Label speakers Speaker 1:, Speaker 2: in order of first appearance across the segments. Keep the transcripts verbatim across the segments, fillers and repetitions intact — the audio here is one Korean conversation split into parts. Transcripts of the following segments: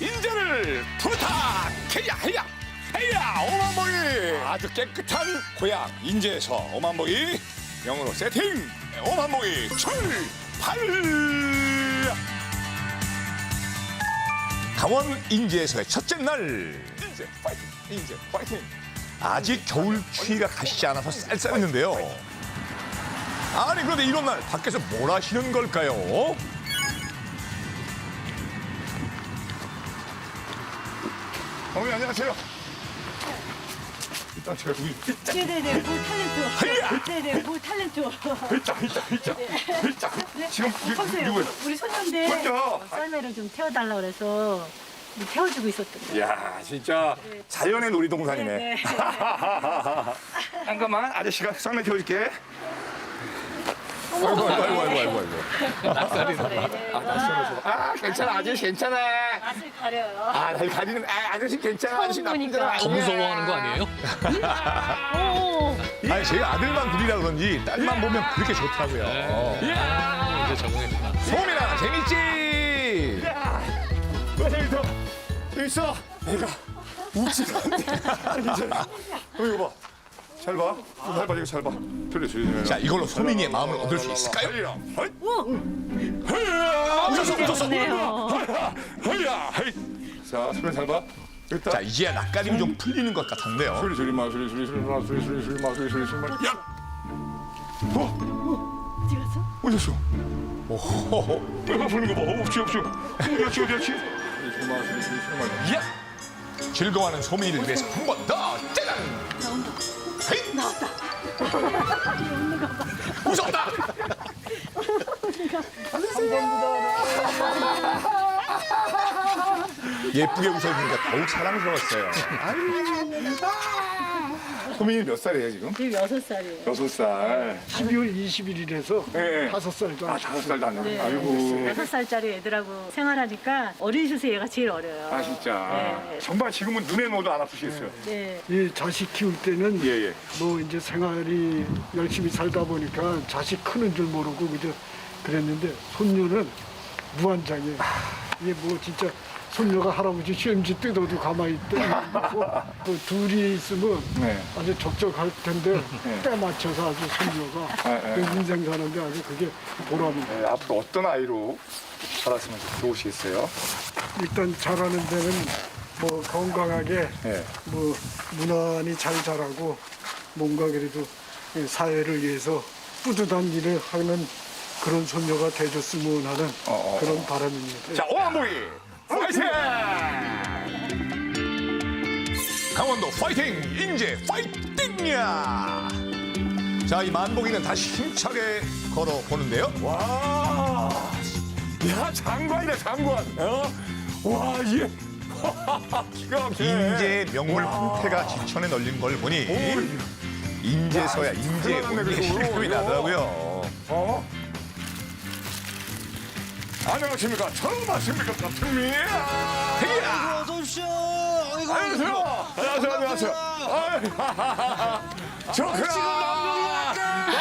Speaker 1: 인재를 부탁해야 해야 해야 오만복이 아주 깨끗한 고향 인재에서 오만복이 영어로 세팅 오만복이 출발. 강원 인제에서의 첫째 날 인제 파이팅 인제 파이팅. 아직 겨울 추위가 가시지 않아서 쌀쌀했는데요. 아니 그런데 이런 날 밖에서 뭘 하시는 걸까요? 어머니 안녕하세요. 일단 제가 여기
Speaker 2: 네네네, 뭐 탤런트. 네네, 뭐 탤런트.
Speaker 1: 글자 글자 글자 글자 지금 이-
Speaker 2: 보세요.
Speaker 1: 누구예요?
Speaker 2: 우리 손녀인데
Speaker 1: 손녀.
Speaker 2: 썰매를 좀 태워달라 그래서 태워주고 있었던 거예요.
Speaker 1: 이야 진짜 자연의 놀이동산이네.
Speaker 2: 네, 네.
Speaker 1: 잠깐만 아저씨가 썰매 태워줄게. 아이고 아이고 아이고 아이고 아이고.
Speaker 2: 낯설이네.
Speaker 1: 아 괜찮아 아저씨 괜찮아.
Speaker 2: 맛을 가려요.
Speaker 1: 아 나 가리는 아 아저씨 괜찮아 아저씨 나쁜 사람
Speaker 3: 더
Speaker 1: 아니야.
Speaker 3: 무서워하는 거 아니에요?
Speaker 2: 오,
Speaker 1: 아니 제가 아들만 둘이라 그런지 딸만 보면 그렇게 좋더라고요.
Speaker 3: 이제 적응했구나.
Speaker 1: 소민아 재밌지? 야, 재밌어. 재밌어. 내가 웃지가 않네. 괜찮아. 어, 이거 봐. 잘 봐. 이거 잘 봐, 이거 잘 봐. 그래, 그래. 자, 이걸로 소민이의 마음을 얻을 수 있을까요? 웃었어, 웃었어.
Speaker 2: 좋네요.
Speaker 1: 헤야, 헤이. 자, 소민 잘 봐. 됐다. 자, 이제야 낯가림이 좀 풀리는 것 같은데요. 소리, 소리, 마, 소리, 소리, 소리, 마, 소리, 소리, 소리, 마, 소리, 소리, 소리, 마. 야! 어?
Speaker 2: 어디 갔어?
Speaker 1: 어딨어? 오호호. 내가 부는 거 봐. 없지, 없지. 어디였지, 어디였지? 야! 즐거워하는 소민이를 위해서 한 번 더 짜잔!
Speaker 2: 나온다.
Speaker 1: 헤이!
Speaker 2: 나왔다.
Speaker 1: 웃었다! 예쁘게 웃어주니까 더욱 사랑스러웠어요. 소민이 몇 살이에요, 지금?
Speaker 2: 지금 여섯 살이에요.
Speaker 1: 여섯 살.
Speaker 4: 십이월 이십일일에서
Speaker 1: 네.
Speaker 4: 다섯 살도
Speaker 1: 아,
Speaker 4: 안
Speaker 1: 다섯 살도 안
Speaker 2: 네.
Speaker 1: 됐네. 아이고.
Speaker 2: 여섯 살짜리 애들하고 생활하니까 어린 슛에 얘가 제일 어려요.
Speaker 1: 아, 진짜.
Speaker 2: 네.
Speaker 1: 정말 지금은 눈에 넣어도 안 아프시겠어요?
Speaker 2: 네.
Speaker 4: 이 자식 키울 때는
Speaker 1: 예, 예.
Speaker 4: 뭐 이제 생활이 열심히 살다 보니까 자식 크는 줄 모르고 그저 그랬는데 손녀는 무한장애. 이게 뭐 진짜 손녀가 할아버지 시험지 뜯어도 가만히 있고 또 둘이 있으면
Speaker 1: 네.
Speaker 4: 아주 적적할 텐데
Speaker 1: 네.
Speaker 4: 때 맞춰서 아주 손녀가
Speaker 1: 네, 네.
Speaker 4: 그 인생 사는데 아주 그게 보람입니다.
Speaker 1: 네, 앞으로 어떤 아이로 자랐으면 좋으시겠어요?
Speaker 4: 일단 자라는 데는 뭐 건강하게
Speaker 1: 네.
Speaker 4: 뭐 무난히 잘 자라고 뭔가 그래도 사회를 위해서 뿌듯한 일을 하는 그런 손녀가 돼줬으면 하는
Speaker 1: 어, 어,
Speaker 4: 그런 바람입니다.
Speaker 1: 자, 오한보이 파이팅! 강원도 파이팅! 인제 파이팅이야! 자, 이 만복이는 다시 힘차게 걸어보는데요. 와, 야, 장관이다, 장관. 어? 와, 이게. 기가 막혀. 인제의 명물 황태가 지천에 널린 걸 보니 인제서야 인제의 온리에 실감이 나더라고요. 어? 안녕하십니까. 처음 왔습니까, 같은미? 헤이야!
Speaker 5: 어서 오십시오. 아이고,
Speaker 1: 안녕하세요. 안녕하세요. 안녕하세요. 좋구나.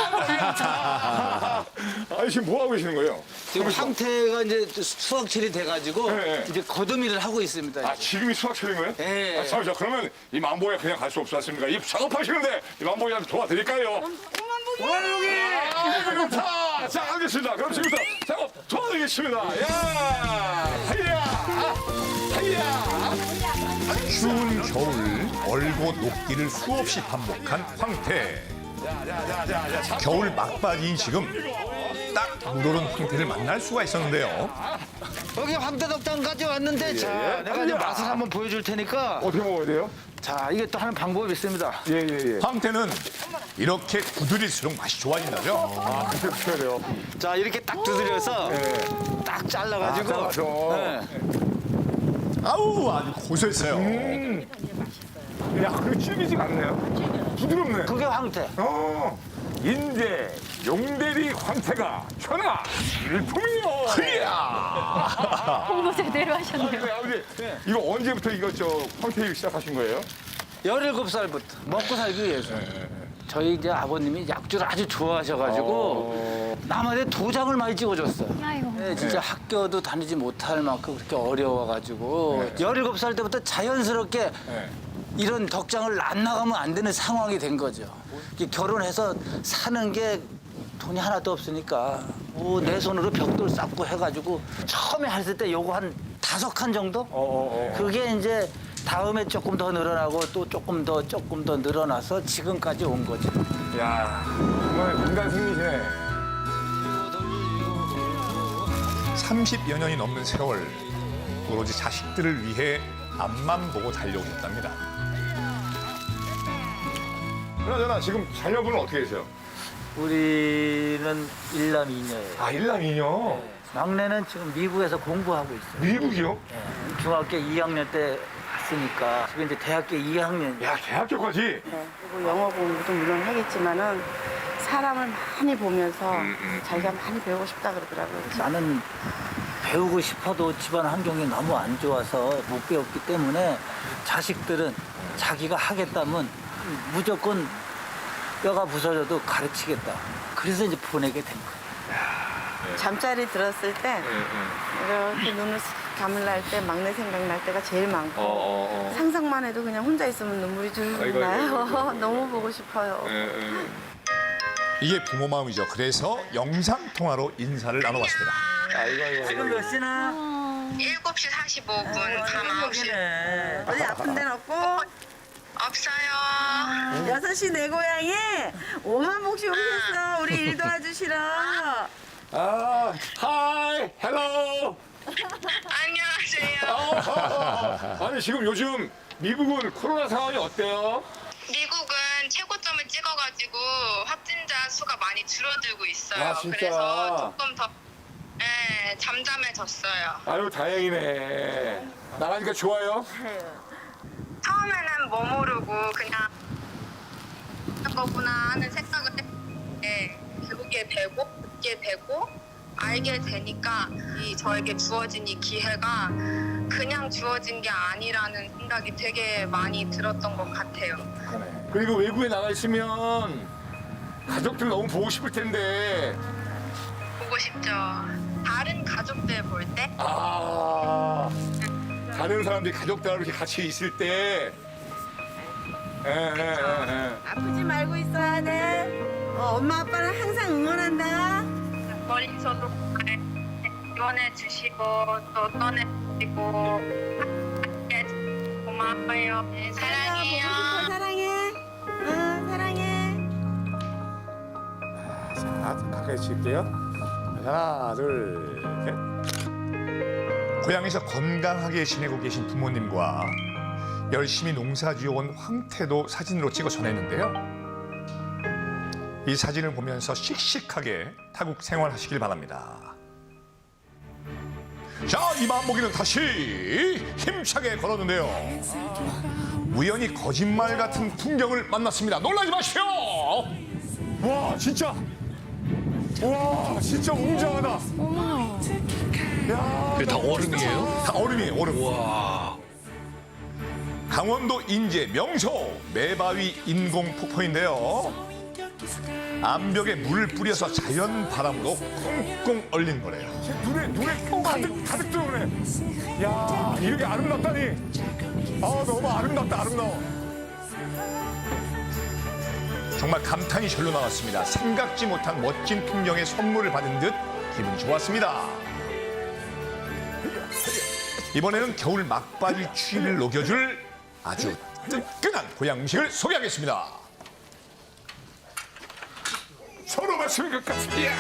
Speaker 1: 아니 지금 뭐 하고 계시는 거예요?
Speaker 5: 지금 상태가 이제 수확철이 돼가지고
Speaker 1: 네, 네.
Speaker 5: 이제 거두미를 하고 있습니다.
Speaker 1: 아 지금이 수학철인 거예요?
Speaker 5: 네.
Speaker 1: 아, 잠시만 그러면 이 만보에 그냥 갈 수 없지 않습니까? 이 작업하시는데 이 만보에한테 도와드릴까요? 오만보기! 아, 좋다. 자 알겠습니다. 그럼 지금부터 작업 도와드리겠습니다. 야, 하이야, 하이야. 추운 겨울 얼고 녹기를 수없이 반복한 황태. 겨울 막바지인 지금 딱 물오른 황태를 만날 수가 있었는데요.
Speaker 5: 여기 황태덕장까지 왔는데 자, 내가 이제 맛을 한번 보여줄 테니까
Speaker 1: 어떻게 먹어야 돼요?
Speaker 5: 자, 이게 또 하는 방법이 있습니다.
Speaker 1: 예, 예, 예. 황태는 이렇게 두드릴수록 맛이 좋아진다죠. 아, 그렇게 드셔야 돼요.
Speaker 5: 자, 이렇게 딱 두드려서 딱 잘라가지고
Speaker 1: 아, 잘라서.
Speaker 5: 네.
Speaker 1: 아우, 아주 고소했어요. 야, 그게 질기지가 않네요. 부드럽네.
Speaker 5: 그게 황태.
Speaker 1: 어, 인제 용대리 황태가 천하 일품이요. 이야.
Speaker 2: 홍보 제대로 하셨네요.
Speaker 1: 네, 아버지, 이거 언제부터 이거 저 황태 일 시작하신 거예요?
Speaker 5: 열일곱 살부터 먹고 살기 위해서. 저희 이제 아버님이 약주를 아주 좋아하셔가지고 남한테 도장을 많이 찍어줬어요.
Speaker 2: 아이고.
Speaker 5: 네, 진짜
Speaker 1: 네.
Speaker 5: 학교도 다니지 못할 만큼 그렇게 어려워가지고
Speaker 1: 네.
Speaker 5: 열일곱 살 때부터 자연스럽게
Speaker 1: 네.
Speaker 5: 이런 덕장을 안 나가면 안 되는 상황이 된 거죠. 이게 결혼해서 사는 게 돈이 하나도 없으니까 뭐 내 손으로 벽돌 쌓고 해가지고 처음에 했을 때 요거 한 다섯 칸 정도?
Speaker 1: 어, 어, 어.
Speaker 5: 그게 이제 다음에 조금 더 늘어나고 또 조금 더 조금 더 늘어나서 지금까지 온 거죠.
Speaker 1: 야, 정말 인간 승리시네.
Speaker 6: 삼십여 년이 넘는 세월 오로지 자식들을 위해 앞만 보고 달려오셨답니다.
Speaker 1: 그나저나 지금 자녀분은 어떻게 되세요?
Speaker 5: 우리는 일남 이녀예요.
Speaker 1: 아, 일남이녀.
Speaker 5: 막내는 지금 미국에서 공부하고 있어요.
Speaker 1: 미국이요?
Speaker 5: 네, 중학교 이 학년 때 갔으니까 지금 이제 대학교 이 학년.
Speaker 1: 야, 대학교까지?
Speaker 7: 네, 그리고 영어 공부도 물론 하겠지만은 사람을 많이 보면서 자기가 많이 배우고 싶다 그러더라고요.
Speaker 5: 나는 배우고 싶어도 집안 환경이 너무 안 좋아서 못 배웠기 때문에 자식들은 자기가 하겠다면 무조건 뼈가 부서져도 가르치겠다. 그래서 이제 보내게 된 거예요.
Speaker 7: 잠자리 들었을 때 이렇게 눈을 쓱 감을 때 막내 생각날 때가 제일 많고
Speaker 1: 어, 어, 어.
Speaker 7: 상상만 해도 그냥 혼자 있으면 눈물이
Speaker 1: 아이고,
Speaker 7: 줄줄 나요.
Speaker 1: 아이고, 아이고.
Speaker 7: 너무 보고 싶어요.
Speaker 1: 예, 예.
Speaker 6: 이게 부모 마음이죠. 그래서 영상 통화로 인사를 나눠봤습니다.
Speaker 1: 아이고, 아이고.
Speaker 5: 지금 몇 시나?
Speaker 8: 일곱 시 사십오 분, 밤 아홉 시.
Speaker 5: 네.
Speaker 7: 어디 아픈 데는 없고
Speaker 8: 없어요.
Speaker 7: 여섯 시 내 고향에 오만 복씩 오셨어. 우리 일 도와주시러.
Speaker 1: 아, 하이, 헬로.
Speaker 8: 안녕하세요.
Speaker 1: 아니, 지금 요즘 미국은 코로나 상황이 어때요?
Speaker 8: 미국은 최고점을 찍어가지고 확진자 수가 많이 줄어들고 있어요.
Speaker 1: 아, 진짜?
Speaker 8: 그래서 조금 더 네, 잠잠해졌어요.
Speaker 1: 아유, 다행이네. 나가니까 좋아요?
Speaker 8: 처음에는 뭐 모르고 그냥 하는 거구나 하는 생각을 했는데 배우게 되고 듣게 되고 알게 되니까 이 저에게 주어진 이 기회가 그냥 주어진 게 아니라는 생각이 되게 많이 들었던 것 같아요.
Speaker 1: 그리고 외국에 나가 있으면 가족들 너무 보고 싶을 텐데.
Speaker 8: 보고 싶죠. 다른 가족들 볼 때
Speaker 1: 아, 다른 사람들이 가족들하고 이렇게 같이 있을 때. 예, 예, 예, 예.
Speaker 7: 아프지 말고 있어야 돼. 어, 엄마 아빠는 항상 응원한다.
Speaker 8: 머릿속으로 잘 지원해 주시고 또 떠내 주시고 고마워요. 네, 사랑해요.
Speaker 7: 사랑해. 응, 사랑해.
Speaker 1: 자, 가까이 칠게요. 하나, 둘, 셋.
Speaker 6: 고향에서 건강하게 지내고 계신 부모님과 열심히 농사 지어온 황태도 사진으로 찍어 전했는데요. 이 사진을 보면서 씩씩하게 타국 생활하시길 바랍니다. 자, 이 마음먹이는 다시 힘차게 걸었는데요. 우연히 거짓말 같은 풍경을 만났습니다. 놀라지 마십시오.
Speaker 1: 와, 진짜. 와, 진짜 웅장하다. 야,
Speaker 3: 그게 다 얼음이에요?
Speaker 6: 다 얼음이에요, 얼음.
Speaker 3: 와.
Speaker 6: 강원도 인제 명소 매바위 인공 폭포인데요. 암벽에 물을 뿌려서 자연 바람으로 꽁꽁 얼린 거래요.
Speaker 1: 눈에, 눈에 가득, 가득 들어오네. 야, 이렇게 아름답다니. 아, 너무 아름답다, 아름다워.
Speaker 6: 정말 감탄이 절로 나왔습니다. 생각지 못한 멋진 풍경의 선물을 받은 듯 기분이 좋았습니다. 이번에는 겨울 막바지 추위를 녹여줄 아주 뜨끈한 고향 음식을 소개하겠습니다.
Speaker 1: 서로 맞추는 것 같습니다.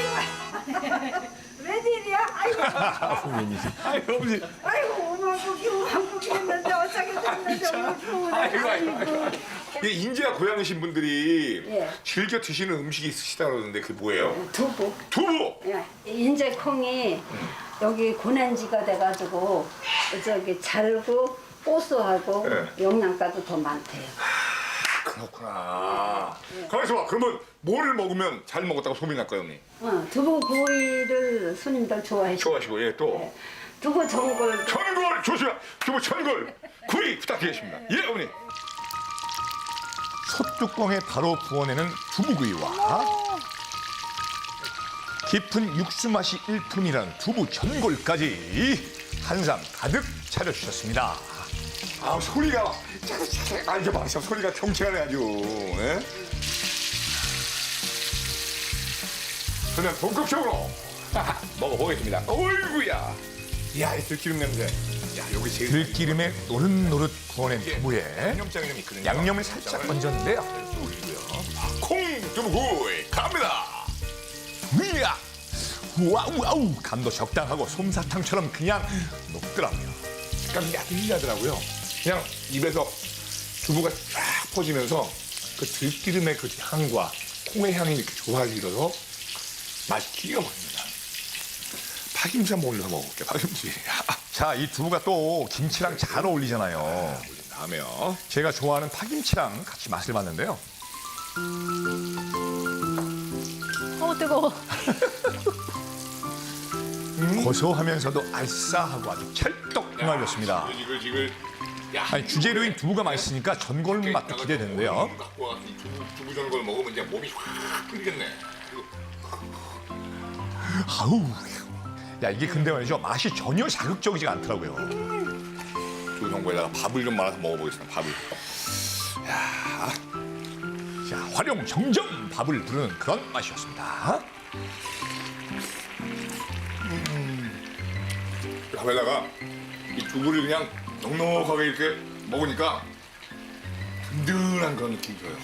Speaker 7: 웬일이야? 아이고,
Speaker 1: 아이고, 어머니.
Speaker 7: 아이고, 오만 복이 오만 복이 했는데 어쩌게 됐는데 오늘 좋으네.
Speaker 1: 아이고, 아이고, 아이고. 이 인제야 고향이신 분들이
Speaker 9: 예.
Speaker 1: 즐겨 드시는 음식이 있으시다 그러는데 그게 뭐예요?
Speaker 9: 두부.
Speaker 1: 두부!
Speaker 9: 예. 인제 콩이 여기 고난지가 돼가지고 저기 잘고 고소하고
Speaker 1: 예.
Speaker 9: 영양가도 더 많대요.
Speaker 1: 그렇구나. 가만있어 봐. 그러면 뭐를 먹으면 잘 먹었다고 소문이 날까요, 언니?
Speaker 9: 어, 두부 구이를 손님들 좋아해.
Speaker 1: 좋아하시고, 예, 또.
Speaker 9: 네. 두부 전골.
Speaker 1: 천골! 조심해! 두부 천골! 구이 부탁드리겠습니다. 예, 어머니.
Speaker 6: 솥뚜껑에 바로 구워내는 두부구이와 깊은 육수 맛이 일품이라는 두부 전골까지 한상 가득 차려주셨습니다.
Speaker 1: 아 소리가 아 이제 막 소리가 경쾌하네 아주. 예? 그냥 본격적으로 먹어보겠습니다. 어이구야. 야, 이 들기름 냄새. 야, 여기 제일
Speaker 6: 들기름에 노릇노릇 구워낸 두부에
Speaker 1: 양념장이 좀 있거든요.
Speaker 6: 양념을 살짝 얹었는데요.
Speaker 1: 콩 두부구이 갑니다.
Speaker 6: 이야! 와우 와우! 간도 적당하고 솜사탕처럼 그냥 녹더라고요.
Speaker 1: 식감이 야들야들하고요. 그냥 입에서 두부가 쫙 퍼지면서 그 들기름의 그 향과 콩의 향이 이렇게 조화지어서 맛이 기가 막힙니다. 파김치 한번 올려서 먹어볼게. 파김치.
Speaker 6: 자, 이 두부가 또 김치랑 잘 어울리잖아요.
Speaker 1: 올린 다음에요.
Speaker 6: 제가 좋아하는 파김치랑 같이 맛을 봤는데요.
Speaker 2: 어 뜨거워.
Speaker 6: 고소하면서도 알싸하고 아주 찰떡궁합이었습니다.
Speaker 1: 이걸 지금
Speaker 6: 아니, 주재료인 두부가 맛있으니까 전골 맛도 기대되는데요.
Speaker 1: 갖고 와서 이 두부, 두부 전골 먹으면 이제 몸이 확 끓이겠네.
Speaker 6: 아우, 야 이게 근데 말이죠 맛이 전혀 자극적이지 않더라고요.
Speaker 1: 두부 전골에다가 밥을 좀 말아서 먹어보겠습니다. 밥을. 야,
Speaker 6: 자, 활용 정점 밥을 부르는 그런 맛이었습니다.
Speaker 1: 밥에다가 이 두부를 그냥 넉넉하게 이렇게 먹으니까 든든한 그런 느낌이 들어요.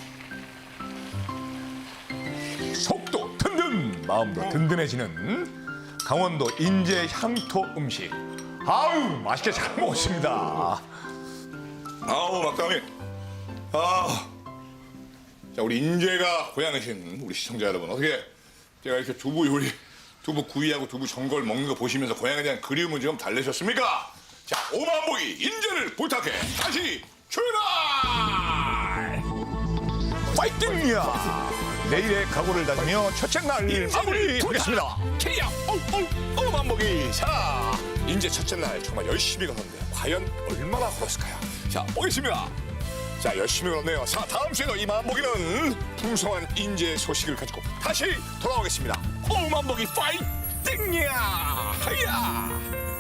Speaker 6: 속도 든든, 마음도 든든해지는 강원도 인제 향토 음식. 아우, 맛있게 잘 먹었습니다.
Speaker 1: 아우 막다미. 아, 자 우리 인재가 고향이신 우리 시청자 여러분 어떻게 제가 이렇게 두부 요리, 두부 구이하고 두부 전골 먹는 거 보시면서 고향에 대한 그리움을 좀 달래셨습니까? 자 오만보기 인재를 부탁해 다시 출발!
Speaker 6: 파이팅이야! 내일의 각오를 다지며 첫째 날 마무리하겠습니다.
Speaker 1: 케이야 어어 오만보기 자 인재 첫째 날 정말 열심히 걸었는데 과연 얼마나 걸었을까요? 자 보겠습니다. 자 열심히 걸었네요. 자 다음 주에도 이 만보기는 풍성한 인재 소식을 가지고 다시 돌아오겠습니다. 오만보기 파이팅이야! 하야!